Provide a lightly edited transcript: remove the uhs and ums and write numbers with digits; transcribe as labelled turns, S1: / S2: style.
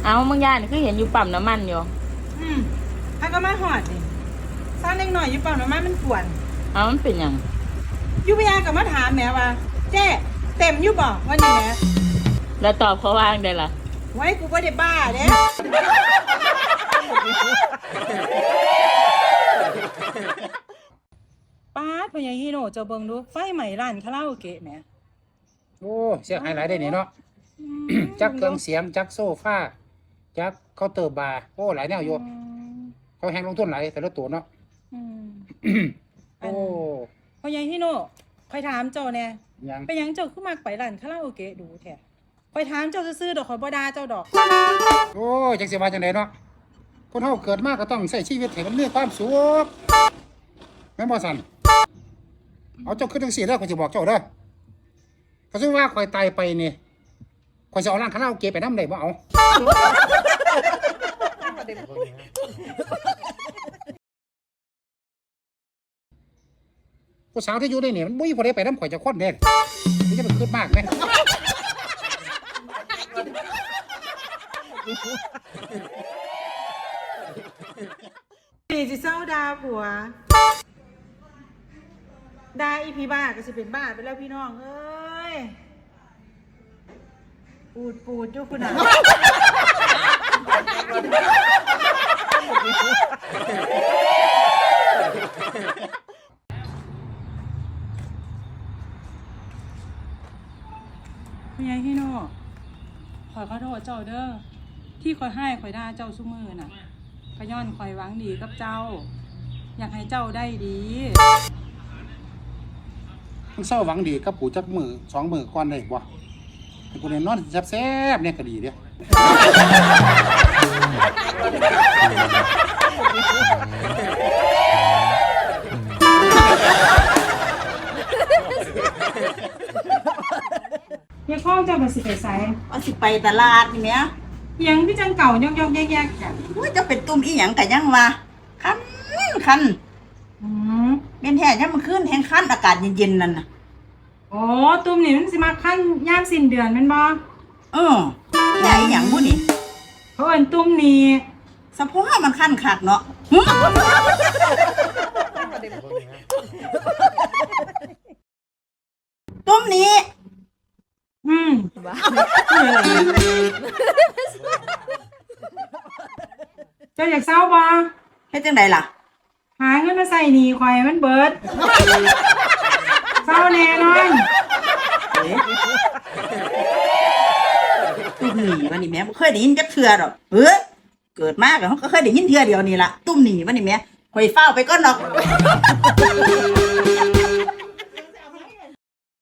S1: เอาบางอย่างนี่คือเห็นอยู่ปั๊มน้ำมันอยู่
S2: ถ้าก็มาหอดนี่ซ่อนเล็กหน่อยอยู่เปล่าหน่อไม้มันกวน
S1: เอามันเป็นยัง
S2: ยุบยากับมาถามแม่ว่าเจ๊เต็มอยู่บ่วันนี้แม่
S1: แล้วตอบเขาว่างได้ล่ะ
S2: ไว้กูก็ได้บ้าเด้ป้าดพญาฮิโนเจ้าเบิ่งดูไฟใหม่ร้านคาราโอเกะแหม
S3: โอ้เสียหายหลายได้นี่เนาะจักเครื่องเสียงจักโซฟาจักเคาน์เตอร์บาร์โอ้หลายแนวอยู่เขาแหงลงทุนหลายแต่ละตัวเนาะโอ้
S2: พญาฮิโนคอยถามเจ้าแน่
S3: ยัง
S2: เป็นยังเจ้าขึ้นมาไปร้านคาราโอเกะดูแท้คอยถามเจ้าซื่อๆดอกคอยบ่ด่าเจ้าดอก
S3: โอ้จักสิว่าจังไดเนาะคนเฮาเกิดมาก็ต้องใช้ชีวิตให้มันมีความสุขแม่นบ่สั่นเอาเจ้าขึ้นจังซี่เด้อข้อยสิบอกเจ้าเด้อเขาสิว่าข้อยตายไปนี่ข้อยสิเอาร้านคาราโอเกะไปนำได้บ่เอาผู้สาวที่อยู่ในนี่มันบ่มีผู้ใดไปนำข่อยจักคนเด้นี่จะเป็นคิดมากแม่
S2: ปีสิเศร้าดาผัวดาอีพีบ้าก็สิเป็นบ้าไปแล้วพี่น้องเอ้ยปูดอยู่คุณน่ะคุณยายฮิโน่ขอโทษเจ้าเด้อที่คอยให้คอยด่าเจ้าซุมือน่ะขย้อนคอยหวังดีกับเจ้าอยากให้เจ้าได้ดี
S3: มันเศร้าหวังดีกับปู่จักมือ2 มือก่อนได้บ่ให้กูได้นอนแซ่บๆเนี่ยก็ดีเด้
S2: ยังข้องเจ้าไปสิไปไส
S4: ว่าสิไปตลาดนี่แหม
S2: ยังพี่จังเก่ายอกๆแยกๆกัน
S4: อุ้ยจะเป็นตุ่มอีหยังก็ยังว่าคันเป็นแท้ยังมันขึ้นแห้งคันอากาศเย็นๆนั่นน่ะ
S2: โอ้ตุ่มนี่มันสิมาคันยามสิ้นเดือนแม่นบ่
S4: แท้อีหยังบุนี่
S2: เขาเอิ้นตุ่มนี่
S4: สะโพกมันคันคักเนาะตุ่มนี้
S2: เจ้าอยากเศร้าบ่
S4: เฮ็ดจังได๋ล่ะ
S2: หาเงินมาใส่หนี้ข่อยมันเบิดเศร้าแน่นอน
S4: ตุ่มหนีวันนี้แม่บ่เคยได้ยินจักเทื่อดอกเกิดมาก็เคยได้ยินเทื่อเดียวนี่ล่ะตุ่มหนีวันนี้แม่ข่อยเฝ้าไปก่อนดอก